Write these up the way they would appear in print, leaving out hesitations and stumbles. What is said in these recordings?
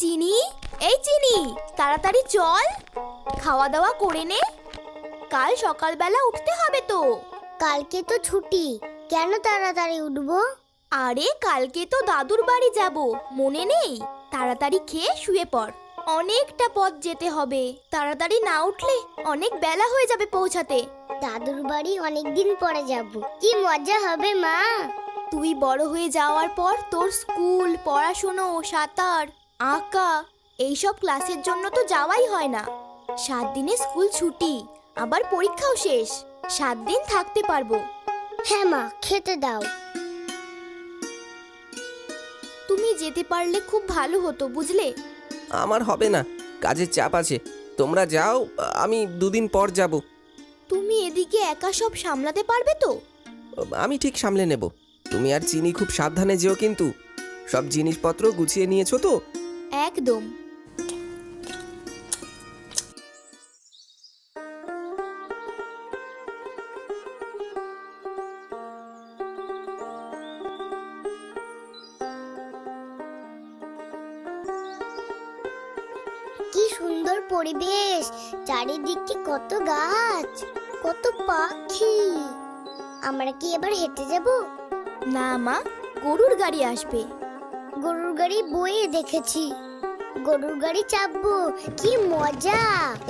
চিনি, এই চিনি, তাড়াতাড়ি চল, খাওয়া দাওয়া করে নে। কাল সকালবেলা উঠতে হবে তো। কালকে তো ছুটি, কেন তাড়াতাড়ি উঠবো? আরে কালকে তো দাদুর বাড়ি যাব, মনে নেই? তাড়াতাড়ি খেয়ে শুয়ে পড়, অনেকটা পথ যেতে হবে। তাড়াতাড়ি না উঠলে অনেক বেলা হয়ে যাবে পৌঁছাতে। দাদুর বাড়ি অনেকদিন পরে যাব, কি মজা হবে মা। তুই বড় হয়ে যাওয়ার পর তোর স্কুল, পড়াশোনা, সাঁতার, আঁকা এইসব ক্লাসের জন্য তো যাওয়াই হয় না। 7 দিনে স্কুল ছুটি, আবার পরীক্ষাও শেষ, 7 দিন থাকতে পারবো। হ্যাঁ মা, খেতে দাও। তুমি যেতে পারলে খুব ভালো হতো, বুঝলে? আমার হবে না, কাজের চাপ আছে। তোমরা যাও, আমি 2 দিন পর যাব। তুমি এদিকে একা সব সামলাতে পারবে তো? আমি ঠিক সামলে নেব। তুমি আর চিনি খুব সাবধানে যেও কিন্তু। সব জিনিসপত্র গুছিয়ে নিয়েছো তো? একদম। কি সুন্দর পরিবেশ, চারিদিকে কত গাছ, কত পাখি। আমরা কি এবার হেঁটে যাব? না মা, গরুর গাড়ি আসবে। গরুর গাড়ি বইয়ে দেখেছি, গরুর গাড়ি চাপবো, কি মজা।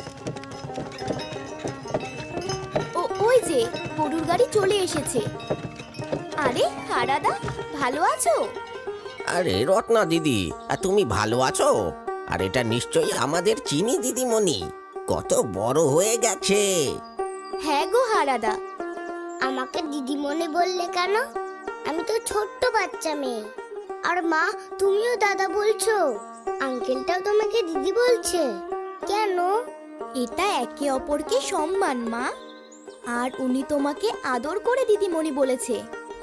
ওই যে গরুর গাড়ি চলে এসেছে। আরে হারাদা, ভালো আছো? আরে রত্না দিদি, তুমি ভালো আছো? আর এটা নিশ্চয়ই আমাদের চিনি দিদিমণি, কত বড় হয়ে গেছে। হ্যাঁ গো হারাদা। আমাকে দিদিমণি বললে কেন? আমি তো ছোট্ট বাচ্চা মেয়ে। আর মা, তুমিও দাদা বলছো, আঙ্কেলটাও তোমাকে দিদি বলছে কেন? এটা একে অপরকে সম্মান মা, আর উনি তোমাকে আদর করে দিদিমণি বলেছে।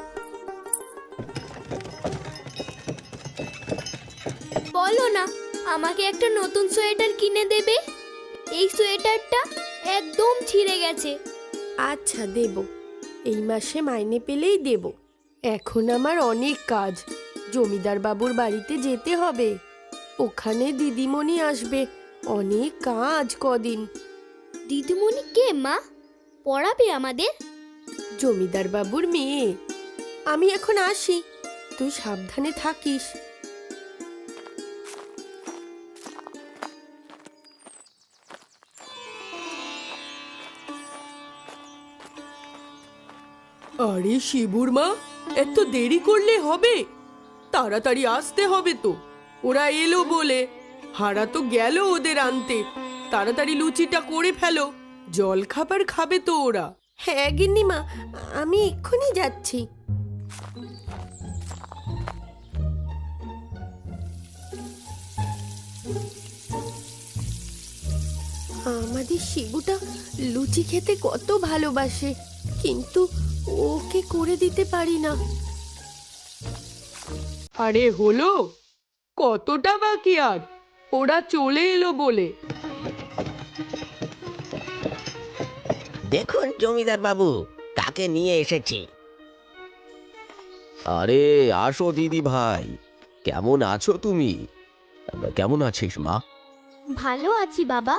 বলো না, আমাকে একটা নতুন সোয়েটার কিনে দেবে? এই সোয়েটারটা একদম ছিঁড়ে গেছে। আচ্ছা দেব, এই মাসে মাইনে পেলেই দেব। এখন আমার অনেক কাজ, জমিদার বাবুর বাড়িতে যেতে হবে, ওখানে দিদিমণি আসবে, অনেক কাজ কদিন। দিদিমণি কে মা? পড়াবে আমাদের? জমিদার বাবুর মেয়ে। আমি এখন আসি, তুই সাবধানে থাকিস। আরে শিবুর মা, এত দেরি করলে হবে? তাড়াতাড়ি আসতে হবে তো, ওরা এলো বলে। হারা তো গেল ওদের আনতে। তাড়াতাড়ি লুচিটা করে ফেলো, জল খাবার খাবে তো ওরা। হ্যাঁ গিন্নিমা, আমি এক্ষুনি যাচ্ছি। আমাদের শিবুটা লুচি খেতে কত ভালোবাসে, কিন্তু ওকে করে দিতে পারি না। আরে হলো, কতটা বাকি আর? ওরা চলে এলো বলে। দেখুন জমিদার বাবু, কাকে নিয়ে এসেছি। আরে আসো দিদি ভাই, কেমন আছো তুমি? কেমন আছিস মা? ভালো আছি বাবা।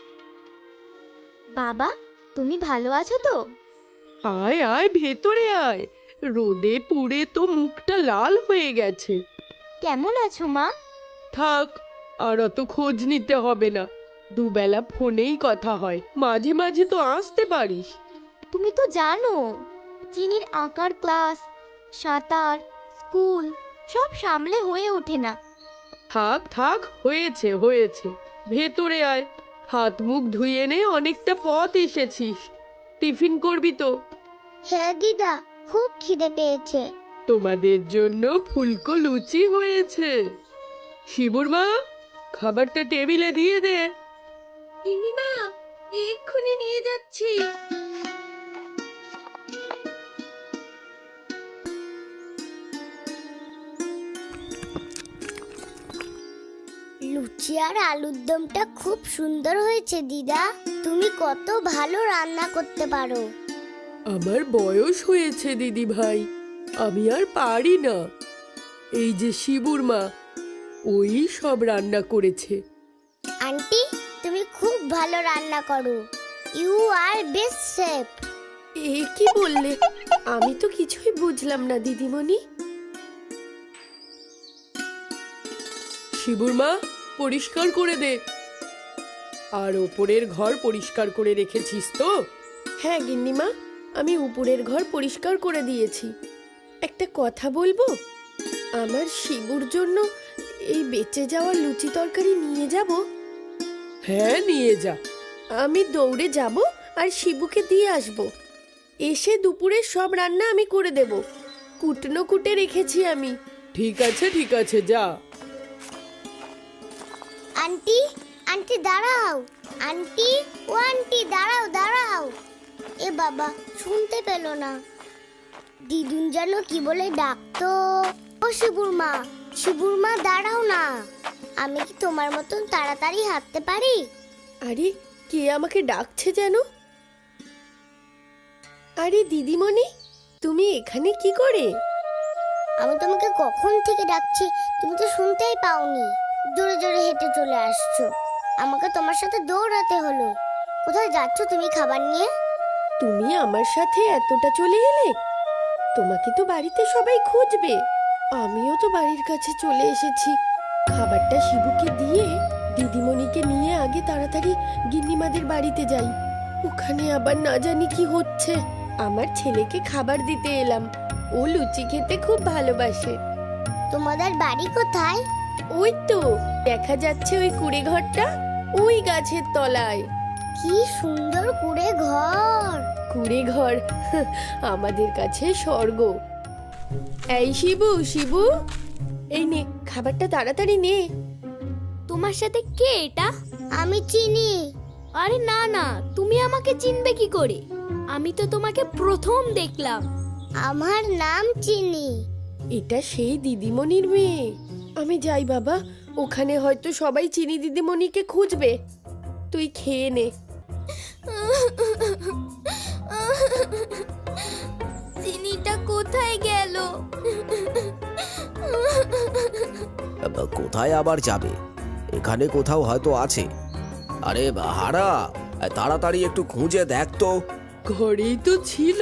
বাবা, তুমি ভালো আছো তো? আয় আয়, ভেতরে আয়। রোদে পুড়ে তো মুখটা লাল হয়ে গেছে। কেমন আছো মা? থাক, আর অত খোঁজ নিতে হবে না, দুবেলা ফোনেই কথা হয়, মাঝে মাঝে তো আসতে পারিস। তুমি তো জানো, চিনির আঁকার ক্লাস, সাঁতার, স্কুল সব সামলে হয়ে ওঠে না। থাক থাক, হয়েছে হয়েছে, ভেতরে আয়, হাত মুখ ধুয়ে নে, অনেকটা পথ এসেছিস। টিফিন করবি তো? হ্যাঁ দিদা, খুব খিদে পেয়েছে। তোমাদের জন্য ফুলকো লুচি হয়েছে। শিবুর মা, খাবারটা টেবিলে দিয়ে দে। গিন্নিমা, এক্ষুনি নিয়ে যাচ্ছি। লুচি আর আলুর দমটা খুব সুন্দর হয়েছে দিদা। তুমি কত ভালো রান্না করতে পারো। আমার বয়স হয়েছে দিদি ভাই, আমি আর পারি না। এই যে শিবুর মা, ওই সব রান্না করেছে। আন্টি তুমি খুব ভালো রান্না করো, ইউ আর বেস্ট শেফ। এ কি বললে? আমি তো কিছুই বুঝলাম না দিদিমণি। শিবুর মা, পরিষ্কার করে দে। আর ওপরের ঘর পরিষ্কার করে রেখেছিস তো? হ্যাঁ গিন্নিমা, আমি উপরের ঘর পরিষ্কার করে দিয়েছি। একটা কথা বলবো? আমার শিবুর জন্য এই বেঁচে যাওয়া লুচি তরকারি নিয়ে যাব। হ্যাঁ, নিয়ে যা। আমি দৌড়ে যাব আর শিবুকে দিয়ে আসব। এসে দুপুরের সব রান্না আমি করে দেব। কুটনো কুটে রেখেছি আমি। ঠিক আছে, ঠিক আছে, যা। আন্টি আন্টি দাঁড়াও, আন্টি ও আন্টি দাঁড়াও দাঁড়াও। এ বাবা, শুনতে পেল না। দিদুন যেন কি বলে ডাকতো। ও শিবুর মা, শিবুর মা দাঁড়াও না। আমি কি তোমার মতন তাড়াতাড়ি হাঁটতে পারি? আরে কে আমাকে ডাকছে যেন? আরে দিদিমণি, তুমি এখানে কি করে? আমি তোমাকে কখন থেকে ডাকছি, তুমি তো শুনতেই পাওনি। জোরে জোরে হেঁটে চলে আসছো, আমাকে তোমার সাথে দৌড়াতে হলো। কোথায় যাচ্ছ তুমি খাবার নিয়ে? তুমি আমার সাথে এতটা চলে এলে? তোমাকে তো বাড়িতে সবাই খুঁজবে। আমিও তো বাড়ির কাছে চলে এসেছি। খাবারটা শিবুকে দিয়ে দিদিমণিকে নিয়ে আগে তাড়াতাড়ি গিন্নিমাদের বাড়িতে যাই। ওখানে আবার না জানি কি হচ্ছে। আমার ছেলেকে খাবার দিতে এলাম। ও লুচি খেতে খুব ভালোবাসে। তোমাদের বাড়ি কোথায়? ওই তো দেখা যাচ্ছে ওই কুড়ে ঘরটা, ওই গাছের তলায়। কি সুন্দর কুড়ে ঘর। কুড়ে ঘর আমাদের কাছে স্বর্গ। এই শিবু, শিবু, এই নে খাবারটা, তাড়াতাড়ি নে। তোমার সাথে কে এটা? আমি চিনি। আরে না না, তুমি আমাকে চিনবে কি করে? আমি তো তোমাকে প্রথম দেখলাম। আমার নাম চিনি। এটা সেই দিদিমণির মেয়ে। আমি যাই বাবা, ওখানে হয়তো সবাই চিনি দিদিমণিকে খুঁজবে। তুই খেয়ে নে। চিনিটা কোথায় গেল? কোথায় আবার যাবে? এখানে কোথাও হয়তো আছে। আরে হারা, তাড়াতাড়ি একটু খুঁজে দেখ তো। ঘরেই তো ছিল।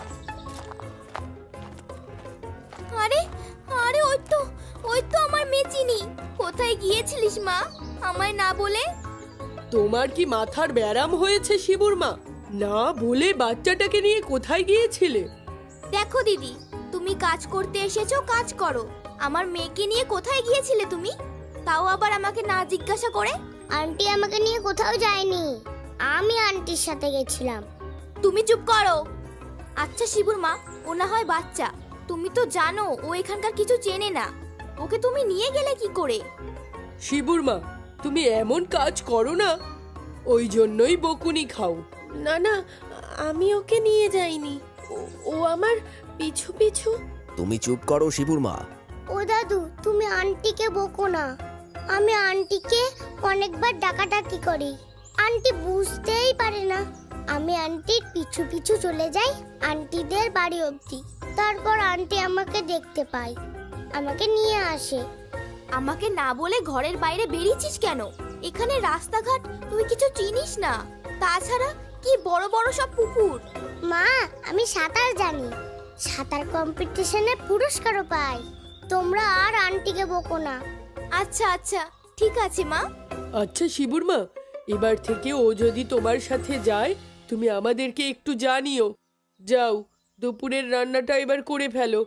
আরে আরে, ওই তো আমার মেয়ে চিনি। কোথায় গিয়েছিলিস মা, আমায় না বলে? তোমার কি মাথার ব্যারাম হয়েছে শিবুর মা? না বলে বাচ্চাটাকে নিয়ে কোথায় গিয়েছিলে? দেখো দিদি, তুমি কাজ করতে এসেছো, কাজ করো। আমার মেয়েকে নিয়ে কোথায় গিয়েছিলে তুমি? তাও আবার আমাকে না জিজ্ঞাসা করে। আন্টি আমাকে নিয়ে কোথাও যায়নি, আমি আন্টির সাথে গেছিলাম। তুমি চুপ করো। আচ্ছা শিবুর মা, ও না হয় বাচ্চা, তুমি তো জানো ও এখানকার কিছু চেনে না। ওকে তুমি নিয়ে গেলে কি করে? শিবুর মা, তুমি এমন কাজ করো না, ওই জন্যই বকুনি খাও। না না, আমি ওকে নিয়ে যাইনি। ও আমার পিছু পিছু। তুমি চুপ করো শিবুর মা। ও দাদু, তুমি আন্টিকে বকো না। আমি আন্টিকে অনেকবার ডাকাডাকি করি, আন্টি বুঝতেই পারে না। আমি আন্টির পিছু পিছু চলে যাই আন্টিদের বাড়ি অবধি। তারপর আন্টি আমাকে দেখতে পায়, আমাকে নিয়ে আসে। আমাকে না বলে ঘরের বাইরে বেরিয়েছিস কেন? এখানে রাস্তাঘাট তুই কিছু চিনিস না। তাছাড়া কি বড় বড় সব পুকুর। মা, আমি সাঁতার জানি, সাঁতার কম্পিটিশনে পুরস্কারও পাই। তোমরা আর আন্টিকে বকো না। আচ্ছা আচ্ছা, ঠিক আছে মা। আচ্ছা শিবুর মা, এবার থেকে ও যদি তোমার সাথে যায়, তুমি আমাদেরকে একটু জানিও। যাও, দুপুরের রান্নাটা এবার করে ফেলো।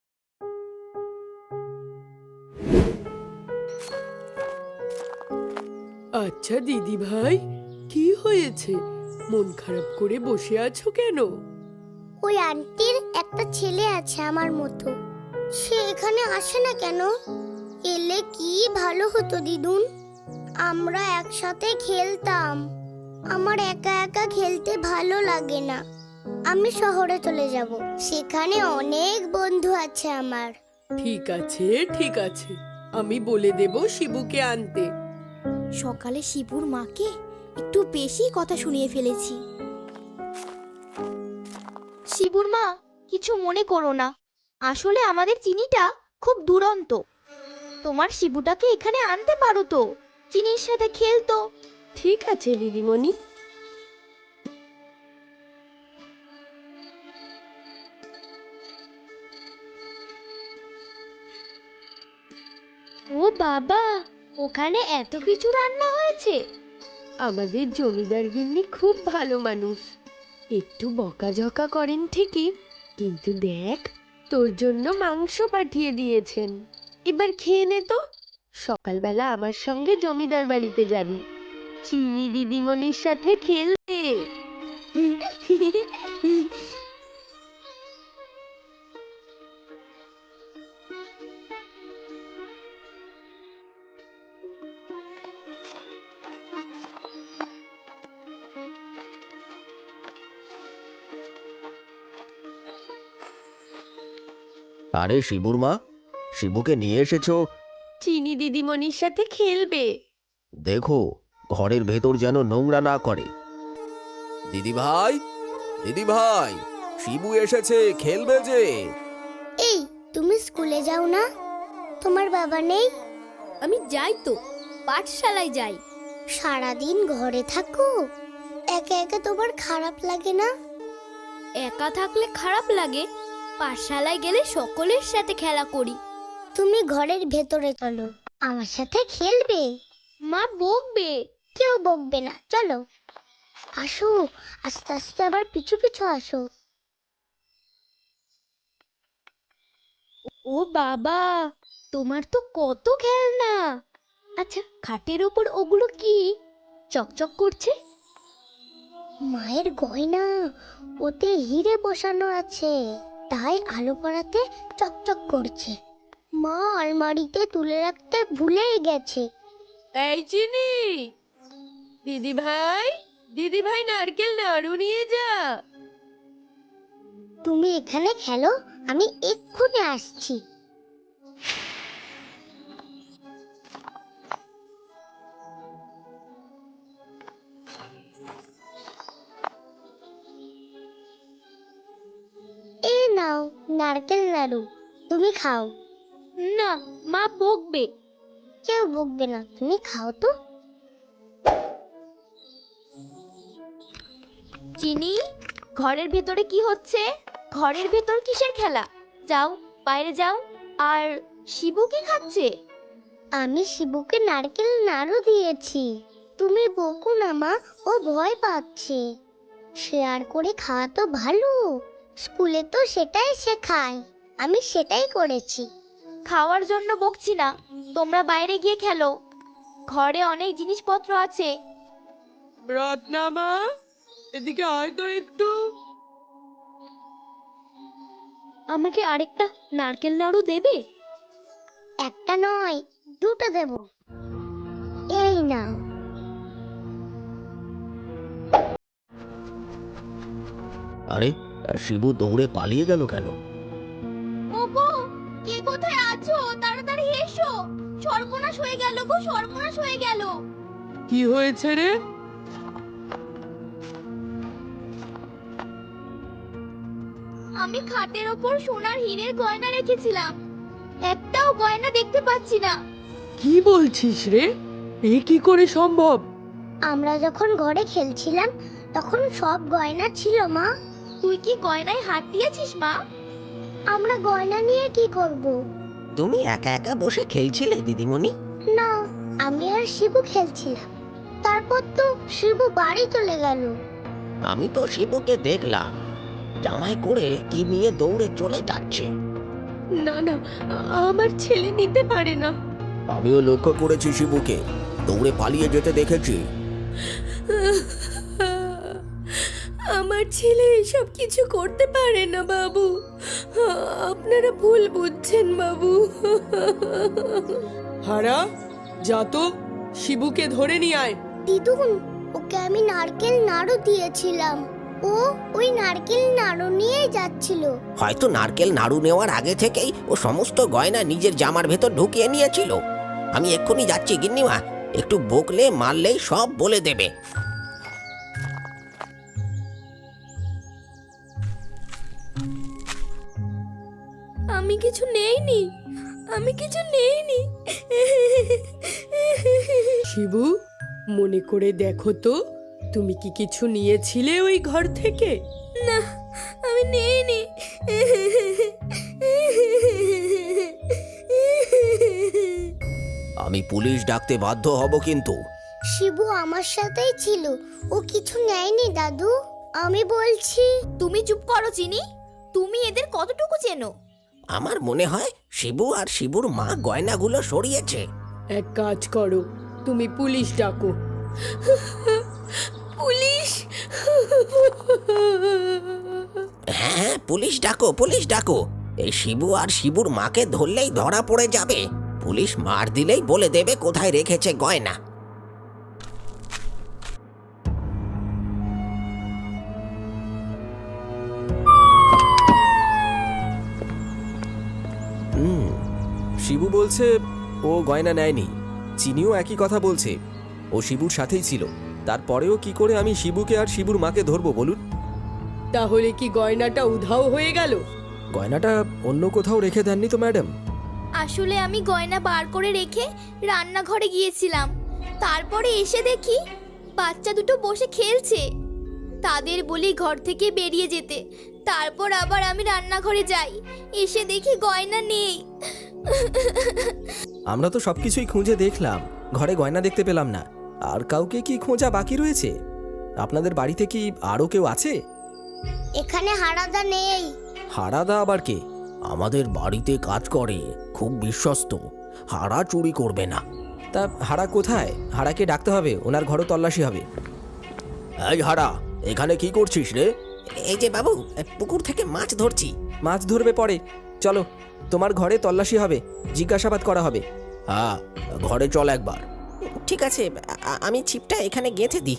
আচ্ছা দিদি ভাই, কি হয়েছে? মন খারাপ করে বসে আছো কেন? ওই আন্টির একটা ছেলে আছে আমার মতো, সে এখানে আসে না কেন? এলে কি ভালো হতো দিদুন, আমরা একসাথে খেলতাম। আমার একা একা খেলতে ভালো লাগে না, আমি শহরে চলে যাব, সেখানে অনেক বন্ধু আছে আমার। ঠিক আছে, ঠিক আছে, আমি বলে দেব শিবুকে আনতে। সকালে শিবুর মাকে একটু বেশি কথা শুনিয়ে ফেলেছি। শিবুর মা, কিছু মনে করো না, আসলে আমাদের চিনিটা খুব দুরন্ত। তোমার শিবুটাকে এখানে আনতে পারো তো, চিনির সাথে খেলতো। ঠিক আছে দিদিমণি। ও বাবা, ওখানে এত কিছু রান্না হয়েছে। আমাদের জমিদার গিন্নি খুব ভালো মানুষ, একটু বকাঝকা করেন ঠিকই, কিন্তু দেখ তোর জন্য মাংস পাঠিয়ে দিয়েছেন। এবার খেয়ে নে তো, সকালবেলা আমার সঙ্গে জমিদার বাড়িতে যাবি, চিনি দিদিমণির সাথে খেলতে। আরে শিবুর মা, শিবুকে নিয়ে এসেছো? চিনি দিদিমণির সাথে খেলবে। দেখো ঘরের ভেতর যেন নোংরা না করে। দিদি ভাই, দিদি ভাই, শিবু এসেছে, খেলবে যে। এই, তুমি স্কুলে যাও না? তোমার বাবা নেই? আমি যাই তো, পাঠশালায় যাই। সারাদিন ঘরে থাকো, একা একা তোমার খারাপ লাগে না? একা থাকলে খারাপ লাগে, পাঠশালায় গেলে সকলের সাথে খেলা করি। তুমি ঘরের ভেতরে চলো, আমার সাথে খেলবে। মা বকবে। কেউ বকবে না, চলো। আসো, আস্তে আস্তে আবার পিছু পিছু আসো। ও বাবা, তোমার তো কত খেলনা। আচ্ছা, খাটের ওপর ওগুলো কি চকচক করছে? মায়ের গয়না, ওতে হিরে বসানো আছে, তাই আলো পড়াতে চকচক করছে। মা আলমারিতে তুলে রাখতে ভুলেই গেছে। এই চিনি, দিদি ভাই নারকেল নাড়ু নিয়ে যা। তুমি এখানে খেলো, আমি এক্ষুনি আসছি। এই নাও নারকেল নাড়ু, তুমি খাও। না, মা বকবে। কেউ বকবে না, তুমি খাও তো। চিনি, ঘরের ভেতরে কি হচ্ছে? ঘরের ভেতর কিসের খেলা? যাও, বাইরে যাও। আর শিবু কি খাচ্ছে? আমি শিবুকে নারকেল নাড়ু দিয়েছি। তুমি বকো না মা, ও ভয় পাচ্ছে। শেয়ার করে খাওয়া তো ভালো, স্কুলে তো সেটাই শেখায়, আমি সেটাই করেছি। খাওয়ার জন্য বকছি না, তোমরা বাইরে গিয়ে খেলো, ঘরে অনেক জিনিসপত্র আছে। রত্নামা, এদিকে আয় তো একটু। আমাকে আরেকটা নারকেল নাড়ু দেবে? একটা নয়, দুটো দেব। এই নাও। আরে শিবু দৌড়ে পালিয়ে গেল কেন? ওগো, কে কোথায় আছো? তাড়াতাড়ি এসো, সর্বনাশ হয়ে গেল গো, সর্বনাশ হয়ে গেল। কি হয়েছে রে? আমি খাটের ওপর সোনার হীরের গয়না রেখেছিলাম, একটাও গয়না দেখতে পাচ্ছি না। কি বলছিস রে? এ কি করে সম্ভব? আমরা যখন ঘরে খেলছিলাম তখন সব গয়না ছিল মা। তুই কি গয়নায় হাত দিয়েছিস মা? আমরা গয়না নিয়ে কি করব? তুমি একা একা বসে খেলছিলে দিদিমণি? না, আমি আর শিবু খেলছিলাম, তারপর তো শিবু বাড়ি চলে গেল। আমি তো শিবুকে দেখলাম জামাই করে কি নিয়ে দৌড়ে চলে যাচ্ছে। না না, আমার ছেলে নিতে পারে না। আমিও লক্ষ্য করেছি শিবুকে, দৌড়ে পালিয়ে যেতে দেখেছি। আমার ছেলে এসব কিছু করতে পারে না বাবু, আপনারা ভুল বুঝছেন বাবু। হারা, যা তো, শিবুকে ধরে নিয়ে আয়। দিদুন, ওকে আমি নারকেল নাড়ু দিয়েছিলাম, ও ওই নারকেল নাড়ু নিয়ে যাচ্ছিল। হয়তো নারকেল নাড়ু নেওয়ার আগে থেকেই ও সমস্ত গয়না নিজের জামার ভেতর ঢুকিয়ে নিয়েছিল। আমি এক্ষুনি যাচ্ছি গিন্নিমা, একটু বকলে মারলেই সব বলে দেবে। আমি কিছু নেইনি, আমি কিছু নেইনি। শিবু, মনে করে দেখো তো, তুমি কি কিছু নিয়েছিলে ওই ঘর থেকে? না, আমি নেইনি। আমি পুলিশ ডাকতে বাধ্য হব কিন্তু। শিবু আমার সাথেই ছিল, ও কিছু নেয়নি দাদু, আমি বলছি। তুমি চুপ করো চিনি। তুমি এদের কতটুকু চেনো? আমার মনে হয় শিবু আর শিবুর মা গয়নাগুলো সরিয়েছে। এক কাজ করো, তুমি পুলিশ ডাকো। পুলিশ? হ্যাঁ, পুলিশ ডাকো, পুলিশ ডাকো। এই শিবু আর শিবুর মাকে ধরলেই ধরা পড়ে যাবে। পুলিশ মার দিলেই বলে দেবে কোথায় রেখেছে গয়না। শিবু বলছে ও গয়না নেয়নি। চিনিও একই কথা বলছে, ও শিবুর সাথেই ছিল। তারপরেও কি করে আমি শিবুকে আর শিবুর মাকে ধরবো বলুন? তাহলে কি গয়নাটা উধাও হয়ে গেল? গয়নাটা অন্য কোথাও রেখে দেননি তো ম্যাডাম? আসলে আমি গয়না বার করে রেখে রান্নাঘরে গিয়েছিলাম। তারপরে এসে দেখি বাচ্চা দুটো বসে খেলছে। তাদের বলি ঘর থেকে বেরিয়ে যেতে। তারপর আবার আমি রান্নাঘরে যাই, এসে দেখি গয়না নেই। আমরা তো সবকিছুই খুঁজে দেখলাম, ঘরে গয়না দেখতে পেলাম না। আর কাউকে কি খোঁজা বাকি রয়েছে? আপনাদের বাড়িতে কি আরও কেউ আছে? এখানে হারাদা নেই। হারাদা আবার কে? আমাদের বাড়িতে কাজ করে, খুব বিশ্বস্ত। হারা চুরি করবে না। তা হারা কোথায়? হারাকে ডাকতে হবে, ওনার ঘরও তল্লাশি হবে। এই হারা, এখানে কি করছিস রে? এই যে বাবু, পুকুর থেকে মাছ ধরছি। মাছ ধরবে পরে, চলো তোমার ঘরে তল্লাশি হবে, জিজ্ঞাসাবাদ করা হবে। হ্যাঁ, ঘরে চল একবার। ঠিক আছে, আমি ছিপটা এখানে গেঁথে দিই।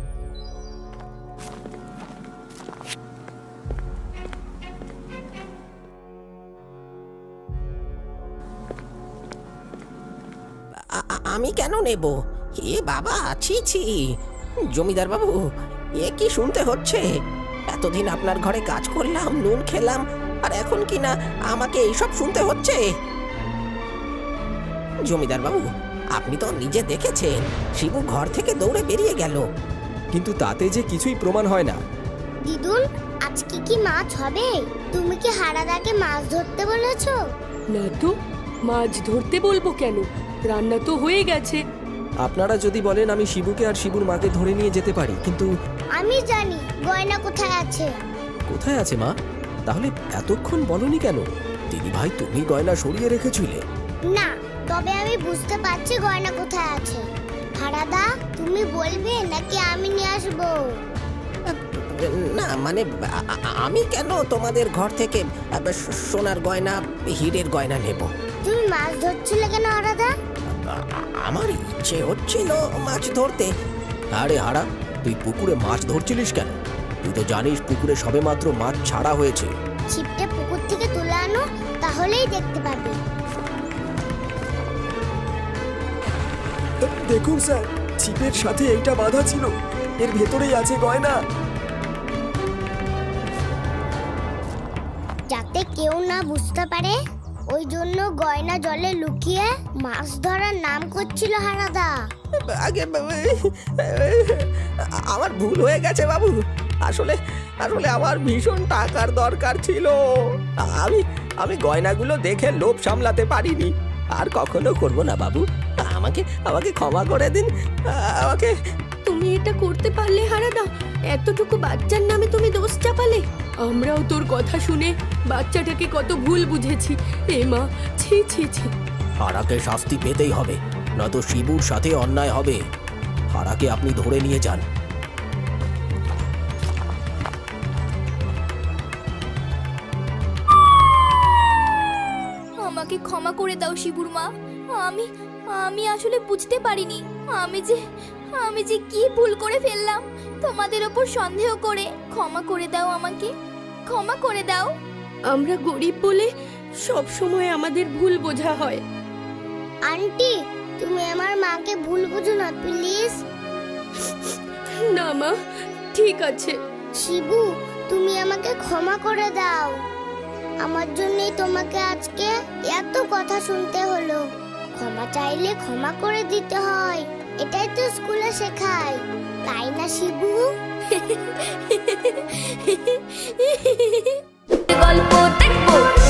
আমি কেন নেব? এ বাবা, ছি ছি। জমিদার বাবু, এ কি শুনতে হচ্ছে? এতদিন আপনার ঘরে কাজ করলাম, নুন খেলাম, আর এখন কি না আমাকে এইসব শুনতে হচ্ছে? জমিদার বাবু, আপনি তো নিজে দেখেছেন, শিবু ঘর থেকে দৌড়ে বেরিয়ে গেল। কিন্তু তাতে যে কিছুই প্রমাণ হয় না। দিদুন, আজকে কি মাছ হবে? তুমি কি হারাদাকে মাছ ধরতে বলেছো? না তো, মাছ ধরতে বলবো কেন? রান্না তো হয়ে গেছে। আপনারা যদি বলেন আমি শিবুকে আর শিবুর মাকে ধরে নিয়ে যেতে পারি, কিন্তু আমি জানি গয়না কোথায় আছে। কোথায় আছে মা? তাহলে এতক্ষণ বলনি কেন? দিদি ভাই, তুমি গয়না সরিয়ে রেখেছিলে? না, তবে আমি বুঝতে পারছি গয়না কোথায় আছে। হারাদা, তুমি বলবে নাকি আমি নিয়ে আসবো? না মানে, আমি কেন তোমাদের ঘর থেকে সোনার গয়না, হীরের গয়না নেব? তুমি মাছ ধরছিলে কেন হারাদা? আমার ইচ্ছে হচ্ছিল মাছ ধরতে। আরে হারা, তুই পুকুরে মাছ ধরছিলিস কেন? তুই তো জানিস পুকুরে সবেমাত্র মাছ ছাড়া হয়েছে। ছিপটা পুকুর থেকে তুলে আনো, তাহলেই দেখতে পাবে। দেখুন স্যার, ছিপের সাথে এইটা বাঁধা ছিল, এর ভেতরেই আছে গয়না। যাতে কেউ না বুঝতে পারে, ওই জন্য গয়না জলে লুকিয়ে মাছ ধরার নাম করছিল হারাদা। আগে আমার ভুল হয়ে গেছে বাবু। আসলে আসলে আমার ভীষণ টাকার দরকার ছিল। আমি গয়নাগুলো দেখে লোভ সামলাতে পারিনি। আর কখনো করব না বাবু। আমাকে আমাকে ক্ষমা করে দিন। আমাকে। তুমি এটা করতে পারলে হারাদা? এতটুকু বাচ্চার নামে তুমি দোষ চাপালে? আমরাও তোর কথা শুনে বাচ্চাটাকে কত ভুল বুঝেছি। এ মা, ছি ছি ছি। হারাকে শাস্তি পেতেই হবে, নয়তো শিবুর সাথে অন্যায় হবে। হারাকে আপনি ধরে নিয়ে যান। আমাকে ক্ষমা করে দাও শিবুর মা। আমি আমি আসলে বুঝতে পারিনি আমি যে কি ভুল করে ফেললাম। তোমাদের ওপর সন্দেহ করে ক্ষমা করে দাও, আমাকে ক্ষমা করে দাও। আমরা গরিব বলে সব সময় আমাদের ভুল বোঝা হয়। আন্টি, তুমি আমার মাকে ভুল বুঝো না প্লিজ। না মা, ঠিক আছে। শিবু, তুমি আমাকে ক্ষমা করে দাও। আমার জন্যই তোমাকে আজকে এত কথা শুনতে হলো। ক্ষমা চাইলে ক্ষমা করে দিতে হয়, এটাই তো স্কুলে শেখায়, তাই না শিবু? গল্প দেখবো